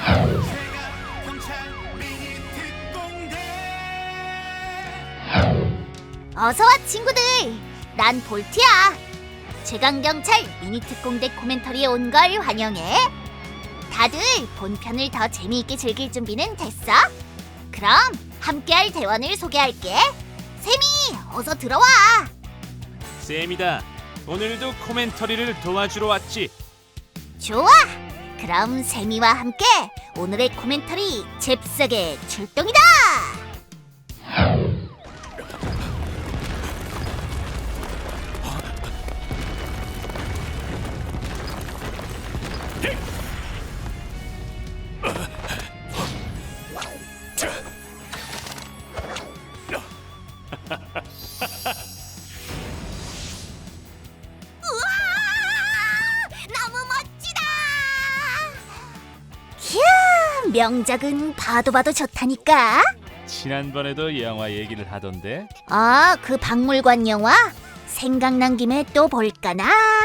어서와 친구들! 난 볼트야! 최강경찰 미니특공대 코멘터리에 온 걸 환영해! 다들 본편을 더 재미있게 즐길 준비는 됐어? 그럼 함께할 대원을 소개할게! 세미, 어서 들어와! 쌤이다. 오늘도 코멘터리를 도와주러 왔지. 좋아! 그럼 세미와 함께 오늘의 코멘터리 잽싸게 출동이다! 너무 멋지다! 이야, 명작은 봐도 봐도 좋다니까. 지난번에도 영화 얘기를 하던데. 아, 그 박물관 영화? 생각난 김에 또 볼까나?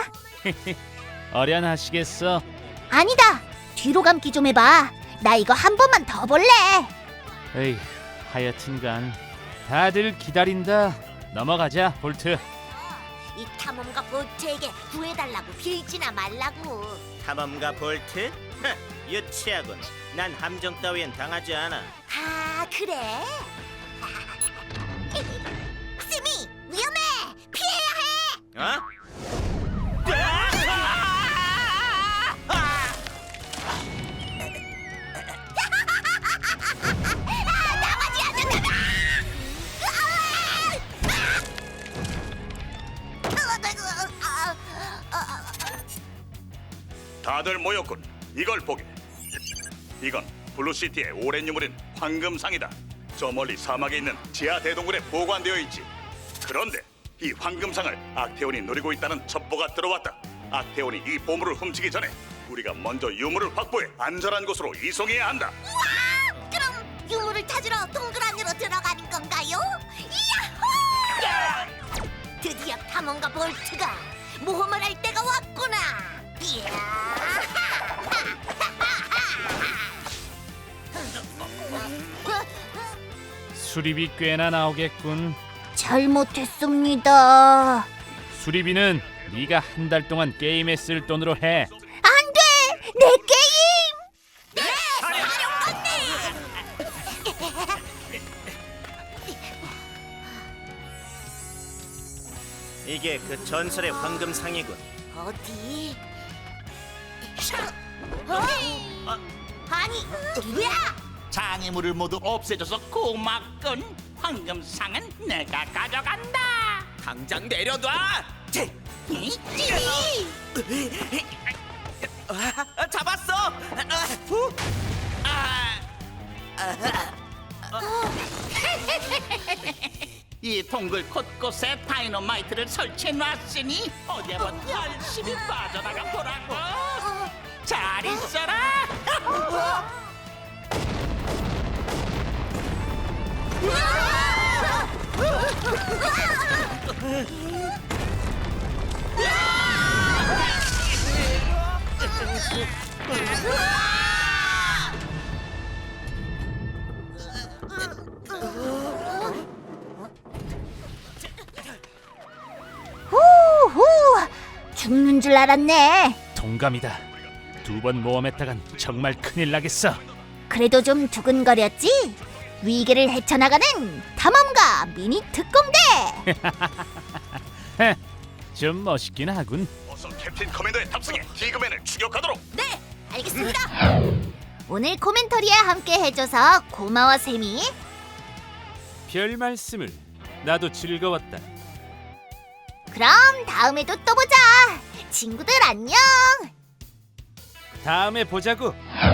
어련하시겠어. 아니다, 뒤로 감기 좀 해봐. 나 이거 한 번만 더 볼래. 에이, 하여튼간 다들 기다린다. 넘어가자, 볼트. 이 탐험가 볼트에게 구해달라고 빌지나 말라고. 탐험가 볼트? 유치하군. 난 함정 따위엔 당하지 않아. 아, 그래? 스미, 위험해! 피해야 해! 어? 나머지 안 된다! 다들 모였군. 이걸 보게. 이건 블루시티의 오랜 유물인 황금상이다. 저 멀리 사막에 있는 지하 대동굴에 보관되어 있지. 그런데 이 황금상을 악태온이 노리고 있다는 첩보가 들어왔다. 악태온이 이 보물을 훔치기 전에 우리가 먼저 유물을 확보해 안전한 곳으로 이송해야 한다. 우와! 그럼 유물을 찾으러 동굴 안으로 들어가는 건가요? 야호! 드디어 탐험가 볼트가 모험을 할 때가 왔구나. 이야! 수리비 꽤나 나오겠군. 잘못했습니다. 수리비는 네가 한 달 동안 게임에 쓸 돈으로 해. 안 돼! 내 게임! 네! 사령관님! 이게 그 전설의 황금상이군. 어디? 아니, 누구야? 장애물을 모두 없애줘서 고맙군. 황금상은 내가 가져간다. 당장 내려놔. 잡았어. 이 동굴 곳곳에 다이너마이트를 설치해놨으니 어디 한번 열심히 빠져나가 보라고. 잘 있어라. 후후! 죽는 줄 알았네. 동감이다. 두 번 모험했다간 정말 큰일 나겠어. 그래도 좀 두근거렸지? 위기를 헤쳐나가는 탐험가 미니 특공대! 좀 멋있긴 하군. 어서 캡틴 커맨더의 탑승해 디그맨을 추격하도록. 네, 알겠습니다. 오늘 코멘터리에 함께 해줘서 고마워, 세미. 별 말씀을. 나도 즐거웠다. 그럼 다음에도 또 보자. 친구들 안녕. 다음에 보자고.